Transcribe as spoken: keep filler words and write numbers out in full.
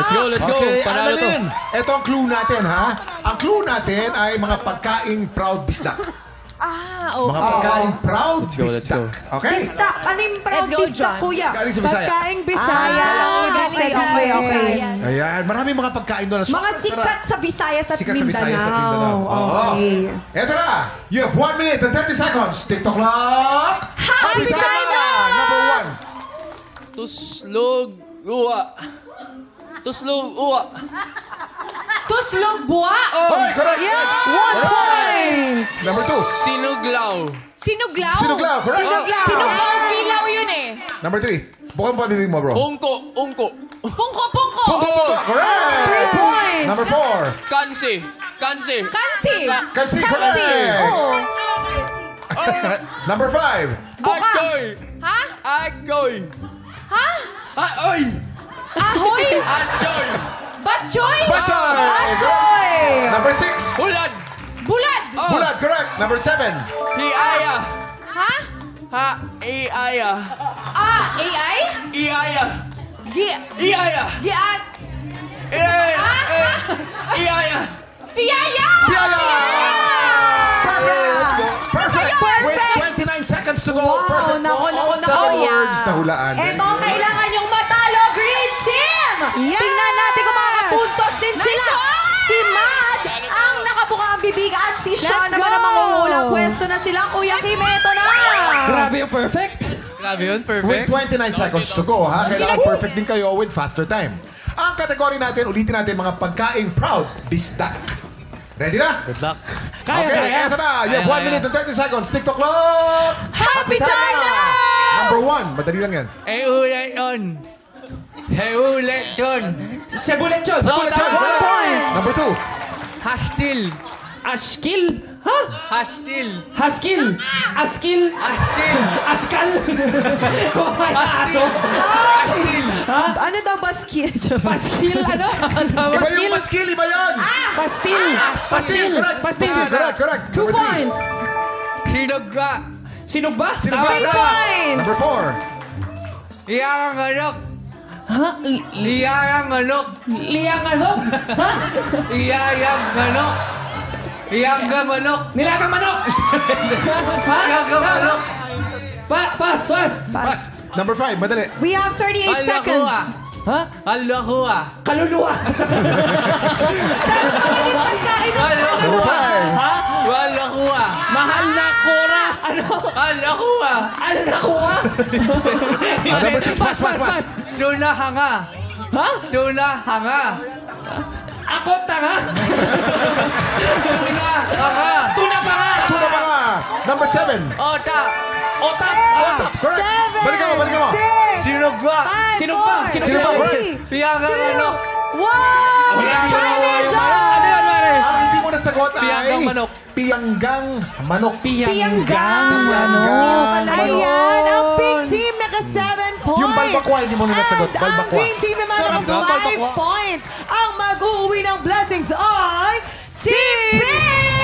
Let's go, let's go. Okay, Panalo to. Annalyn, ito ang clue natin, ha? Ang clue natin ay mga pagkaing proud bisdak. Ah, Mga okay. pagkaing proud Let's go, let's bisdak. Okay? Pista. Ano yung proud Let's go, pista, John. kuya? Galing sa Bisaya. Pagkaing Bisaya. Ah, okay, galing sa okay, okay. Yes. Ayan, maraming mga pagkain doon. na Mga sobrang sikat sarap. sa Visayas at Sikat sa Mindanao. Visayas at Mindanao. Oo. Okay. Eto na. You have one minute and thirty seconds. TikTok clock. Happy time na! Number one. Tuslog uwa. Tuslog uwa. Tuslog buwa. Hoy, correct. One point! Number two. Sinuglaw. Sinuglaw. Sinuglaw, correct. Sinuglaw. Sinuglaw, kilaw yun eh. Number three. Bukang pabibig mo, bro. Ungko, ungko. Pungko, pungko. Pungko, pungko. Correct. Three points! Number four. Kansi. Kansi. Kansi. Kansi, correct. Oo. Number five. Agoy. Ha? Agoy. Ha? Aoy. Ahoy? Ajoy. Batchoy? Bachoy. Joy! Number six. Hulad. Bulad? Oh. Bulat, correct. Number seven. Hiaya. Ha? Ha. Iaya. Ah, A I? Iaya. Gi... Iaya. Giat... Iaya. Ah? Iaya. Piyaya! Piyaya! Perfect! Perfect! Perfect! With twenty-nine seconds to go. Wow, Perfect po. nako, All nako, seven nako. words na hulaan. Very Eto, good. kailangan yung matalo, Green Team! Tingnan natin kung makakapuntos din Nice sila. one! Si Mad ang nakabuka ang bibig at si Sean Let's naman go! ang mangungula. Pwesto na sila. Kuya Kim, eto na! Grabe yung perfect. Grabe yun, With perfect. twenty-nine seconds to go, ha? Kailangan perfect din kayo with faster time. Ang kategory natin, ulitin natin mga pagkaing proud bisdak. Ready na? Good luck. Kaya, Okay, kaya. eto na. You have Kaya, one kaya. minute and thirty seconds. TikTok clock! Happy time na! Number one. Madali lang yan. Eh, ulit yun. Eh, ulit yun. Sebulechon. Bullet shot, tama. correct. point. Number two. Hastil. Ashkil. Ha? Hastil. Haskil. Askil. Hastil. Askal. Kumain na aso. Hastil. Ha? Ano daw ba skill? Paskil, ano? Iba Paskil. yung maskil, iba yan! Pastil. Pastil, correct. Pastil. Pastil, correct, correct. Two Number three. points. Sinugla. Sinog ba? Sino ba? Three points. Number four. Iyang anok. Ha? Li- Iyang anok. Liyang ano? Ha? Iyang anok. Iyang manok. Nilagang manok. ha? Iyang manok. Pa, pas, pas. Pass. Number five, madali. We have thirty-eight seconds. Ha? Alakua. Kaluluwa. Number five. ha? Alakua. Mahal na kora. Ano? Alakua. Ano nakuha? Ah, number six, pass, pass, pass. Tuna hanga. Ha? Tuna hanga. Ako tanga. Tuna hanga. Tuna pa nga. Tuna pa nga. Number seven. Ota. Otak. Otak, correct. Seven. Balikan mo, balikan mo. Six. Sinugla. Five. Sino ba? four, Sino Sino ba? three, Iyang manok. One. Piyanggang Time is manok. Ano yun, up. Mare? Ang hindi mo nasagot ay... Piyanggang manok. Piyanggang manok. Piyanggang. Piyanggang manok. Ayan, ang pink team naka seven points. Yung balbakwa, hindi mo na nasagot. And Balbakwa. ang green team naman Sarap naka na, five balbakwa. points. Ang mag-uwi ng blessings ay Team Pink!